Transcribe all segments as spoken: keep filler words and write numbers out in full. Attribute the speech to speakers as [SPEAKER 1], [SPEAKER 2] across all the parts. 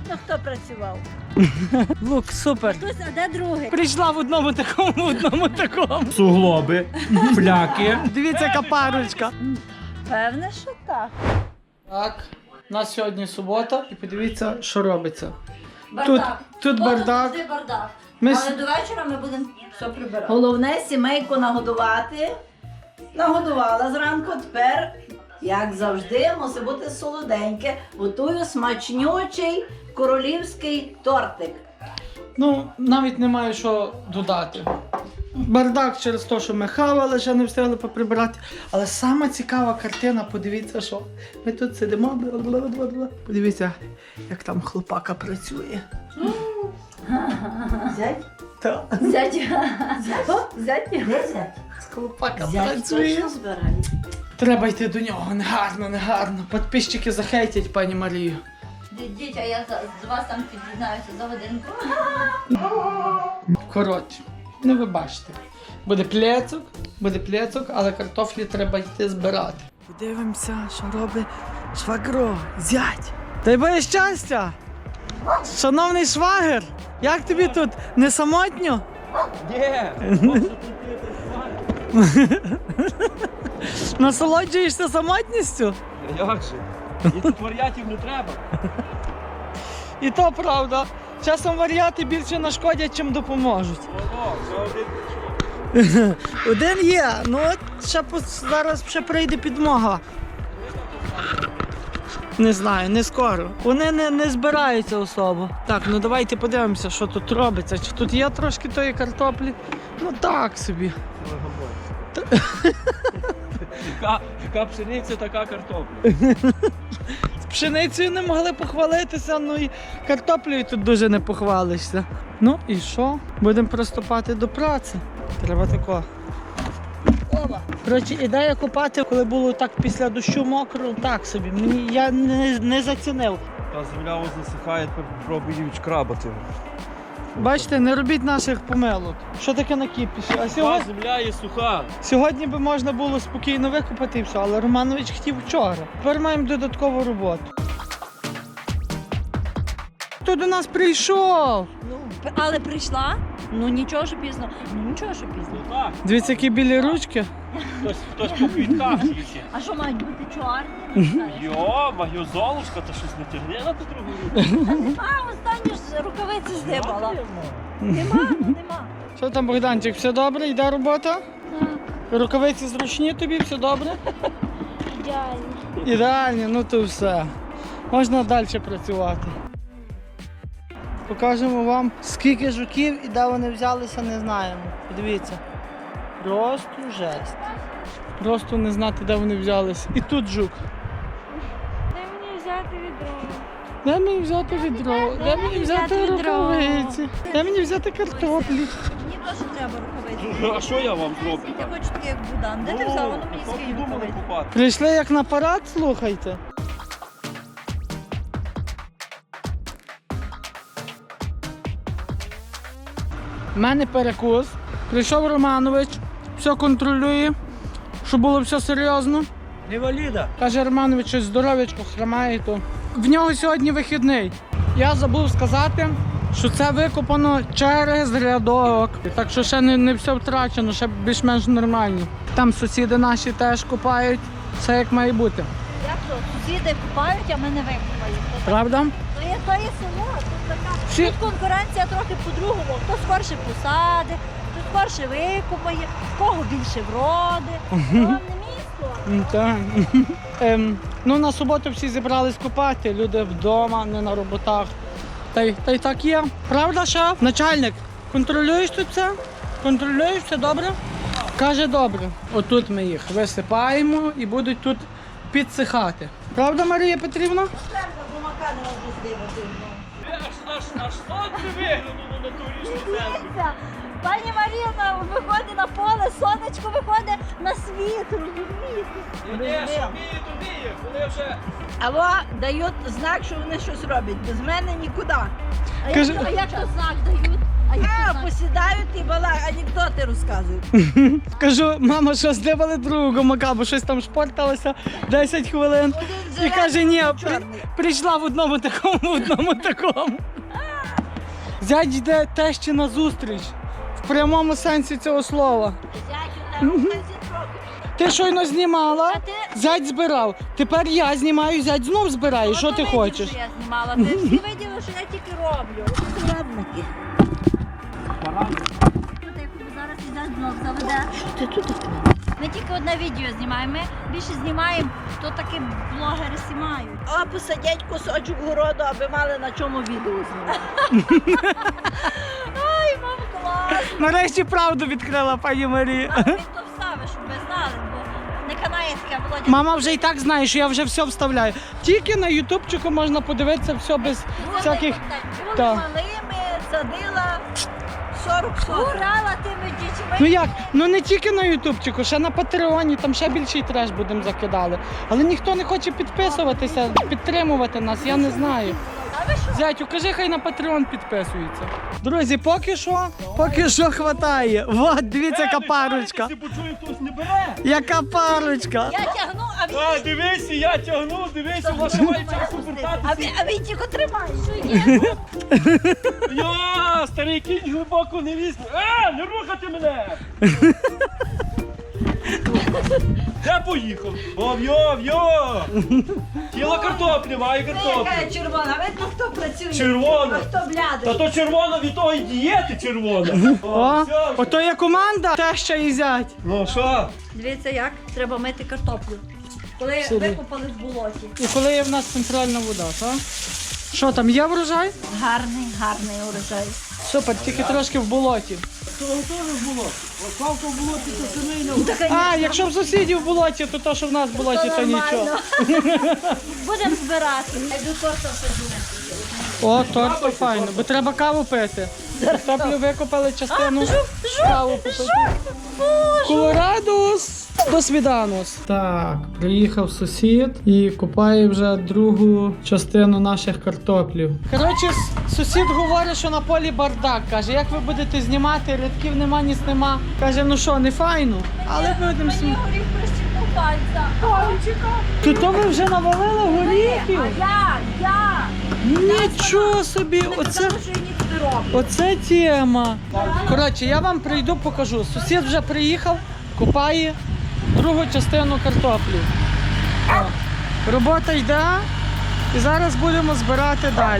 [SPEAKER 1] Ну хто працював?
[SPEAKER 2] Лук, супер.
[SPEAKER 1] Хтось, а де другий?
[SPEAKER 2] Прийшла в одному такому, в одному такому.
[SPEAKER 3] Суглоби, фляки.
[SPEAKER 2] Дивіться, яка парочка.
[SPEAKER 1] Певне, що так.
[SPEAKER 2] Так, у нас сьогодні субота і подивіться, що робиться.
[SPEAKER 1] Бардак.
[SPEAKER 2] Тут, тут
[SPEAKER 1] Воно
[SPEAKER 2] бардак.
[SPEAKER 1] завжди бардак.
[SPEAKER 2] Ми
[SPEAKER 1] Але
[SPEAKER 2] с-
[SPEAKER 1] до вечора ми будемо все прибирати. Головне сімейку нагодувати. Нагодувала зранку, тепер, як завжди, мусить бути солоденьке. Готую смачнючий королівський тортик.
[SPEAKER 2] Ну, навіть немає що додати. Бардак через те, що ми хавали, ще не встигли поприбирати. Але сама цікава картина, подивіться, що ми тут сидимо. бла-бла-бла-бла. Подивіться, як там хлопака працює.
[SPEAKER 1] Зять?
[SPEAKER 2] Так.
[SPEAKER 1] Зять. Зять. Де зять?
[SPEAKER 2] Хлопака
[SPEAKER 1] Зять
[SPEAKER 2] працює.
[SPEAKER 1] точно збирає.
[SPEAKER 2] Треба йти до нього, негарно, негарно. Підписчики захейтять пані Марію.
[SPEAKER 1] Дідіть, а я за- з вас там під'єднаюся за годинку.
[SPEAKER 2] Коротше, ну ви бачите. Буде плецок, буде плецок, але картофлі треба йти збирати. Подивимося, що робить швагро, зять. Дай Боже щастя! Шановний швагер, як тобі тут? Не самотньо?
[SPEAKER 3] Є.
[SPEAKER 2] Насолоджуєшся самотністю?
[SPEAKER 3] Як же? І тут варіатів не треба.
[SPEAKER 2] І то правда. Часом варіати більше нашкодять, чим допоможуть.
[SPEAKER 3] Ого, вже один.
[SPEAKER 2] Один є, ну от ще пос- зараз ще прийде підмога. Не знаю, не скоро. Вони не, не збираються особо. Так, ну давайте подивимося, що тут робиться. Чи тут є трошки тої картоплі? Ну так собі.
[SPEAKER 3] Яка, яка пшениця, така картопля.
[SPEAKER 2] З пшеницею не могли похвалитися, ну і картоплею тут дуже не похвалишся. Ну і що? Будемо приступати до праці. Треба тако. Оба. Коротше, ідея копати, коли було так після дощу мокро, так собі. Мені я не, не зацінив.
[SPEAKER 3] Та земля ось засихає, тепер попробують крабати.
[SPEAKER 2] Бачите, не робіть наших помилок. Що таке накипіше? А
[SPEAKER 3] Та
[SPEAKER 2] сьогодні,
[SPEAKER 3] земля є суха.
[SPEAKER 2] сьогодні би можна було спокійно викопати і все, але Романович хотів вчора. Тепер маємо додаткову роботу. Хто до нас прийшов?
[SPEAKER 1] Ну, п- але прийшла. Ну нічого, що пізно. Ну нічого, що пізно.
[SPEAKER 3] Ну так,
[SPEAKER 2] Дивіться, які білі ручки.
[SPEAKER 3] хтось, хтось по квітках тільки.
[SPEAKER 1] А що мають бути чорні?
[SPEAKER 3] Йо, маю золушка, та щось не тягне на ту другу руку.
[SPEAKER 1] А, останні ж рукавиці здибала. Нема, ну нема.
[SPEAKER 2] Що там, Богданчик, все добре? Йде робота? Рукавиці зручні тобі, все добре?
[SPEAKER 1] Ідеально.
[SPEAKER 2] Ідеально, ну то все. Можна далі працювати. Покажемо вам, скільки жуків і де вони взялися, не знаємо. Подивіться. Просто жесть. Просто не знати, де вони взялися. І тут жук.
[SPEAKER 1] Де мені взяти відро?
[SPEAKER 2] Де мені взяти відро? Де мені взяти рукавиці? Де мені взяти картоплі?
[SPEAKER 1] Мені теж треба рукавиці.
[SPEAKER 3] А що я вам зроблю?
[SPEAKER 1] Я хочу таке, як Будан. Де ти взяв? Воно мені
[SPEAKER 3] Поки
[SPEAKER 1] свої
[SPEAKER 3] думали
[SPEAKER 1] рукавиці.
[SPEAKER 3] купати.
[SPEAKER 2] Прийшли як на парад, слухайте. У мене перекус. Прийшов Романович, все контролює, щоб було все серйозно.
[SPEAKER 3] Інваліда.
[SPEAKER 2] Каже Романович, що здоров'ячко хромає, то в нього сьогодні вихідний. Я забув сказати, що це викопано через рядок. Так що ще не, не все втрачено, ще більш-менш нормально. Там сусіди наші теж копають, все як має бути.
[SPEAKER 1] Як то? Сусіди купають, а ми не викупаємо.
[SPEAKER 2] Правда?
[SPEAKER 1] То є, то є село, тут така.
[SPEAKER 2] Всі-
[SPEAKER 1] Тут конкуренція трохи по-другому. Хто скорше посади, хто скорше викупає, в кого більше вроди. Це вам не місто.
[SPEAKER 2] М, Так. Ем, ну, на суботу всі зібрались купати, люди вдома, не на роботах. Та й, та й так є. Правда, шеф? Начальник, контролюєш тут це? Контролюєш все добре? Каже, добре. Отут ми їх висипаємо і будуть тут підсихати. Правда, Марія Петрівна?
[SPEAKER 1] Черга гумака не можу здивати.
[SPEAKER 3] Аж, аж, аж сонце виглянуло на ту річну землю.
[SPEAKER 1] Дивіться, пані Маріна виходить на поле, сонечко виходить на світ, розумієте?
[SPEAKER 3] Ні, що вміє, то вміє. Коли вже
[SPEAKER 4] Або дають знак, що вони щось роблять. Без мене нікуди.
[SPEAKER 1] А
[SPEAKER 2] Кажи-
[SPEAKER 1] як, то- а як то знак дають?
[SPEAKER 4] А я
[SPEAKER 1] А,
[SPEAKER 4] тут знаю.
[SPEAKER 1] посідають і балак, анекдоти розказують.
[SPEAKER 2] Кажу, мама, що здивали другого мака, бо щось там шпорталося десять хвилин.
[SPEAKER 1] Один
[SPEAKER 2] І
[SPEAKER 1] зелений,
[SPEAKER 2] каже, ні,
[SPEAKER 1] один
[SPEAKER 2] при,
[SPEAKER 1] чорний.
[SPEAKER 2] прийшла в одному такому, в одному такому. Зять йде тещі на зустріч. В прямому сенсі цього слова.
[SPEAKER 1] Зятю, на руку
[SPEAKER 2] Ти щойно знімала,
[SPEAKER 4] А ти-
[SPEAKER 2] зять збирав. Тепер я знімаю, зять знов збирає. Що
[SPEAKER 4] Ну,
[SPEAKER 2] ти
[SPEAKER 4] то видів,
[SPEAKER 2] хочеш?
[SPEAKER 4] що я знімала. Ти всі виділи, що я тільки роблю.
[SPEAKER 1] зрадники.
[SPEAKER 4] Тут як зараз іде знов заведе.
[SPEAKER 1] Ти тут?
[SPEAKER 4] Ми тільки одне відео знімаємо. Ми більше знімаємо, то такі блогери знімають.
[SPEAKER 1] А посадять кусочок городу, аби мали на чому відео знімати.
[SPEAKER 4] Ай, мам, клас!
[SPEAKER 2] Нарешті правду відкрила пані Марія.
[SPEAKER 4] А він то вставиш, щоб ви знали, бо не канає таке, Володя.
[SPEAKER 2] Мама вже і так знає, що я вже все вставляю. Тільки на ютубчику можна подивитися все без
[SPEAKER 4] Були
[SPEAKER 2] всяких.
[SPEAKER 4] контент.
[SPEAKER 1] Були
[SPEAKER 2] Так.
[SPEAKER 1] малими, садила сорок соток.
[SPEAKER 4] Гурала тими дітьми.
[SPEAKER 2] Ну як? Ну не тільки на ютубчику, ще на Патреоні, там ще більший треш будемо закидали. Але ніхто не хоче підписуватися, підтримувати нас, я не знаю.
[SPEAKER 4] А ви що?
[SPEAKER 2] Зятю, кажи, хай на Patreon підписується. Друзі, поки що, поки що хватає. Вот, дивіться, яка парочка.
[SPEAKER 3] Якщо почую, хтось не бере.
[SPEAKER 2] Яка парочка.
[SPEAKER 4] Я тягну, а він,
[SPEAKER 3] А, дивися, я тягну, дивися, ваша має через
[SPEAKER 1] А
[SPEAKER 3] повертатися.
[SPEAKER 1] він, а він тільки тримає.
[SPEAKER 4] що є?
[SPEAKER 3] Йо, старий кінь глибоко не візьме. А, не рухати мене! Де поїхав? Ов, йо, йо! Тіло картоплі, має картоплі.
[SPEAKER 1] Яка червона, видно, хто працює.
[SPEAKER 3] Червона.
[SPEAKER 1] А хто
[SPEAKER 3] Та
[SPEAKER 1] блядий.
[SPEAKER 3] то червона від того і дієти червона.
[SPEAKER 2] О,
[SPEAKER 3] все.
[SPEAKER 2] ото є команда, теща і зять.
[SPEAKER 3] Ну що?
[SPEAKER 4] Дивіться, як треба мити картоплю. Коли
[SPEAKER 2] Сюди.
[SPEAKER 4] викопали в болоті.
[SPEAKER 2] І коли є в нас центральна вода, так? Що там, є врожай?
[SPEAKER 1] Гарний, гарний урожай.
[SPEAKER 2] Супер, тільки трошки в болоті.
[SPEAKER 3] Того теж було. Славка в болоті, то семейно.
[SPEAKER 2] А, якщо в сусідів в болоті, то то, що в нас в болоті, то нічого.
[SPEAKER 4] Будемо збирати. Я йду торта саджу.
[SPEAKER 2] О, торт то файно, бо треба каву пити. Картоплю викопали частину, каву попити. Колорадус! До свіданус. Так, приїхав сусід і купає вже другу частину наших картоплів. Коротше, с- сусід говорить, що на полі бардак. Каже, як ви будете знімати, рядків нема, ніс нема. Каже, ну що, не файно, але будемо
[SPEAKER 4] Мені
[SPEAKER 2] знімати.
[SPEAKER 4] горіх прищипнув пальця.
[SPEAKER 2] То то ви вже навалили горіхів?
[SPEAKER 4] А я, я.
[SPEAKER 2] Нічого собі, оце...
[SPEAKER 4] Сказали, що я ніч не роблю.
[SPEAKER 2] Оце тема. Коротше, я вам прийду, покажу. Сусід вже приїхав, купає другу частину картоплі. О, робота йде, і зараз будемо збирати далі.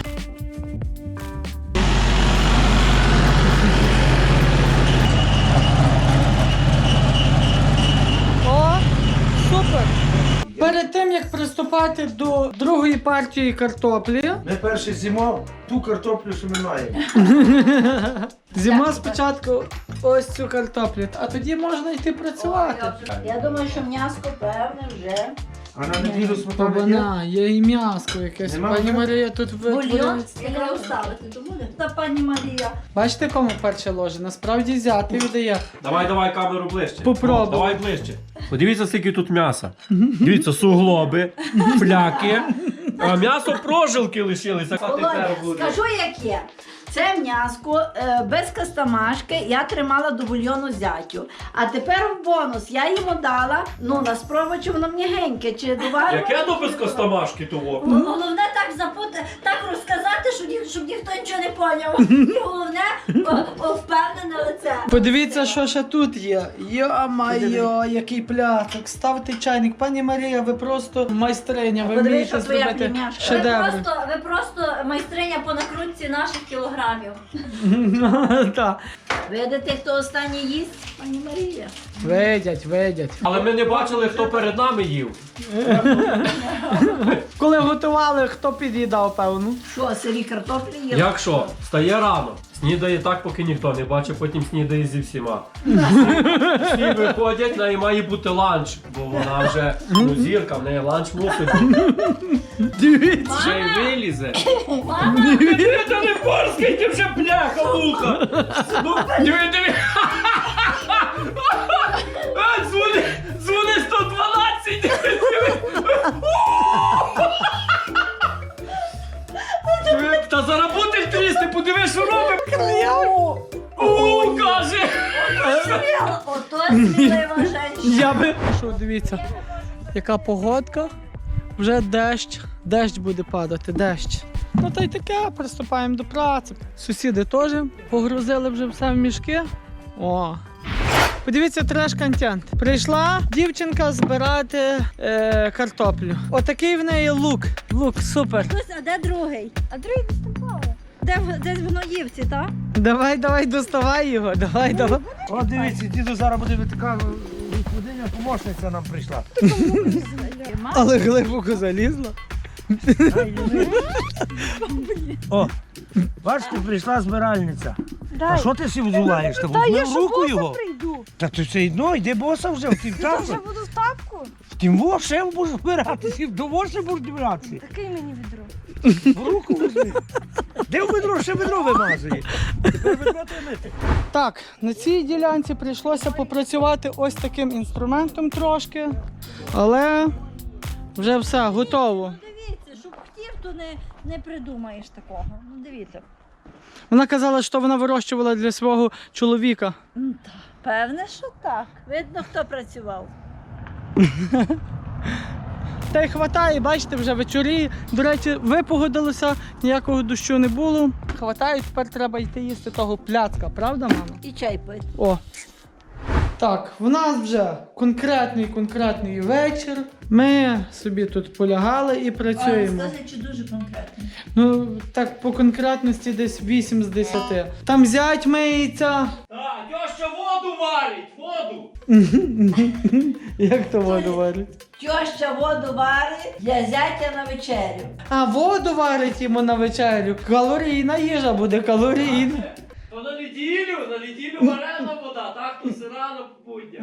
[SPEAKER 2] О, супер! Перед тим, як приступати до другої партії картоплі,
[SPEAKER 5] Ми перше зимов ту картоплю, що ми маємо.
[SPEAKER 2] зима спочатку ось цю картоплю, а тоді можна йти працювати.
[SPEAKER 1] Я думаю, що м'яско певне вже.
[SPEAKER 5] А на неділю
[SPEAKER 2] Та
[SPEAKER 5] сметана є?
[SPEAKER 2] вона, є і м'яско якесь.
[SPEAKER 5] Нема
[SPEAKER 2] Пані
[SPEAKER 5] вже?
[SPEAKER 2] Марія тут
[SPEAKER 1] Бульйон
[SPEAKER 2] витворює.
[SPEAKER 4] Якраз вставити, то буде. Та пані Марія.
[SPEAKER 2] Бачите, кому перше ложе? Насправді взяти віддає.
[SPEAKER 3] Давай, давай камеру ближче.
[SPEAKER 2] Попробуй.
[SPEAKER 3] О, давай ближче. Подивіться, скільки тут м'яса. Дивіться, суглоби, фляки. А м'ясо прожилки лишилися.
[SPEAKER 1] Володя, скажу, як є. Це м'яско е, без кастамашки я тримала до бульйону зятю. А тепер в бонус я йому дала, ну на спробу, чи воно м'ягеньке, чи доварено.
[SPEAKER 3] Яке то без костомашки того?
[SPEAKER 4] Головне так запути, так розказати, щоб, ні, щоб ніхто нічого не поняв. І головне о, о, впевнене лице.
[SPEAKER 2] Подивіться, що ще тут є. Йо-майо, який пляцок. Ставте чайник. Пані Марія, ви просто майстриня. Ви
[SPEAKER 1] Подивись,
[SPEAKER 2] вмієте
[SPEAKER 1] що твоя
[SPEAKER 2] зробити
[SPEAKER 1] племяшка.
[SPEAKER 4] Ви
[SPEAKER 2] шедеври.
[SPEAKER 4] просто, ви просто майстриня по накрутці наших кілограмів.
[SPEAKER 2] Так.
[SPEAKER 1] Видите, хто останній їсть? Пані Марія.
[SPEAKER 2] Видять, видять.
[SPEAKER 3] Але ми не бачили, хто перед нами їв.
[SPEAKER 2] Коли готували, хто під'їдав, певно.
[SPEAKER 1] Що, сирі картоплі є?
[SPEAKER 3] Як що? Встає рано. Снідає так, поки ніхто не бачить, потім снідає зі всіма. Всі виходять, в неї має бути ланч, бо вона вже ну, зірка, в неї ланч мусить бути.
[SPEAKER 2] Дивіться.
[SPEAKER 3] Ще й вилізе.
[SPEAKER 4] Мама,
[SPEAKER 3] Диви, та не порскайте вже, бляха, муха! Ну, диви, диви! А, дзвони, дзвони сто дванадцять! Диви, диви! Та зараз буде трісти, подиви, що робить!
[SPEAKER 4] сміла, ото смілива жінка.
[SPEAKER 2] Я би. Що, дивіться, яка погодка. Вже дощ, дощ буде падати, дощ. Ну та й таке, приступаємо до праці. Сусіди теж погрузили вже все в мішки. О. Подивіться треш-контент. Прийшла дівчинка збирати е, картоплю. Отакий в неї лук. Лук, супер.
[SPEAKER 4] Хтось, а де другий? А другий десь там плаває. Де, в- десь в Гноївці, так?
[SPEAKER 2] Давай, давай, доставай його, давай, давай.
[SPEAKER 5] О, дивіться, діду зараз буде така господиня, помощниця нам прийшла.
[SPEAKER 2] Але глибоко залізла.
[SPEAKER 5] Ай, Юни. О, бачите, прийшла збиральниця. А що ти сі взуваєш? Та візьми в руку його.
[SPEAKER 4] прийду.
[SPEAKER 5] Та ти все одно, йди боса вже в тім часі.
[SPEAKER 4] буду в тапку.
[SPEAKER 5] В тім во ще будеш збиратися, в того ще будеш збиратися.
[SPEAKER 4] Такий мені відро.
[SPEAKER 5] В руку візьми. Де в ведро? Ще ведро вимазує. Тепер ведро треба мити.
[SPEAKER 2] Так, на цій ділянці прийшлося попрацювати ось таким інструментом трошки, але вже все, готово.
[SPEAKER 4] Дивіться, щоб хотів, то не, не придумаєш такого. Ну дивіться.
[SPEAKER 2] Вона казала, що вона вирощувала для свого чоловіка.
[SPEAKER 4] Ну, так. Певне, що так. Видно, хто працював.
[SPEAKER 2] Та й хватає, бачите, вже вечорі. До речі, випогодилося, ніякого дощу не було. Хватає, тепер треба йти їсти того пляцка, правда, мама?
[SPEAKER 4] І чай пити.
[SPEAKER 2] О. Так, в нас вже конкретний конкретний вечір. Ми собі тут полягали і працюємо.
[SPEAKER 4] Скажи, чи дуже конкретно.
[SPEAKER 2] Ну, так, по конкретності десь вісім з десяти. Там зять миється.
[SPEAKER 3] Так, тьоща воду варить, воду!
[SPEAKER 2] Як то воду варить?
[SPEAKER 1] Тьоща воду варить для зятя на вечерю.
[SPEAKER 2] А, воду варить йому на вечерю. Калорійна їжа буде, калорійна.
[SPEAKER 3] То на неділю, на неділю варена вода, так, то сира на будня.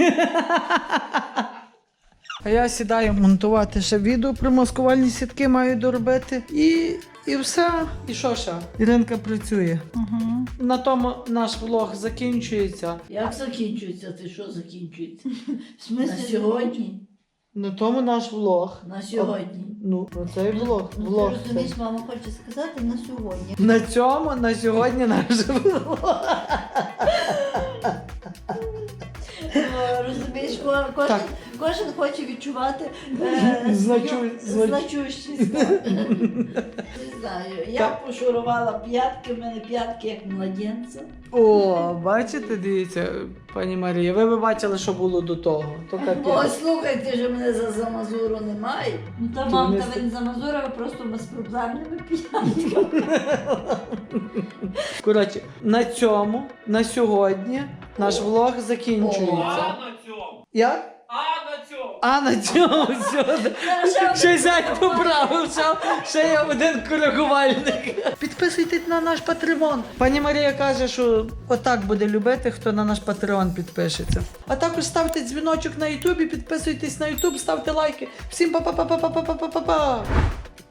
[SPEAKER 2] А я сідаю монтувати ще відео про маскувальні сітки, маю доробити. І, і все. І що ще? Іринка працює.
[SPEAKER 4] Угу.
[SPEAKER 2] На тому наш влог закінчується.
[SPEAKER 1] Як закінчується? Ти що закінчується?
[SPEAKER 4] В
[SPEAKER 1] На сьогодні?
[SPEAKER 2] На тому наш влог.
[SPEAKER 1] На сьогодні.
[SPEAKER 2] Ну, оцей влог. влог
[SPEAKER 4] Ти
[SPEAKER 2] цей.
[SPEAKER 4] розумієш, мама хоче сказати на сьогодні.
[SPEAKER 2] На цьому, на сьогодні наш влог.
[SPEAKER 4] О, розумієш, ко- кожен,
[SPEAKER 2] Так.
[SPEAKER 4] кожен хоче відчувати е,
[SPEAKER 2] Значу-
[SPEAKER 4] свою
[SPEAKER 2] знач-
[SPEAKER 4] значущість.
[SPEAKER 1] Не знаю. Я
[SPEAKER 2] Так.
[SPEAKER 1] пошурувала п'ятки, в мене п'ятки як младенця.
[SPEAKER 2] О, бачите, дивіться, пані Марія, ви б бачили, що було до того. То
[SPEAKER 1] Ой,
[SPEAKER 2] капець.
[SPEAKER 1] слухай, ти ж мене за замазуру немає.
[SPEAKER 4] Ну та
[SPEAKER 2] То
[SPEAKER 4] мам,
[SPEAKER 2] не
[SPEAKER 4] та
[SPEAKER 2] ст-
[SPEAKER 4] ви не за Мазура, ви просто безпроблемними п'ятками.
[SPEAKER 2] Коротше, на цьому, на сьогодні, наш влог закінчується.
[SPEAKER 3] А на цьому,
[SPEAKER 2] Як?
[SPEAKER 3] а на цьому.
[SPEAKER 2] А на цьому все. Ще зять поправив, ще, ще є один коригувальник. Підписуйтесь на наш Патреон. Пані Марія каже, що отак буде любити, хто на наш Патреон підпишеться. А також ставте дзвіночок на Ютубі, підписуйтесь на Ютуб, ставте лайки. Всім па-па-па-па-па-па-па-па-па.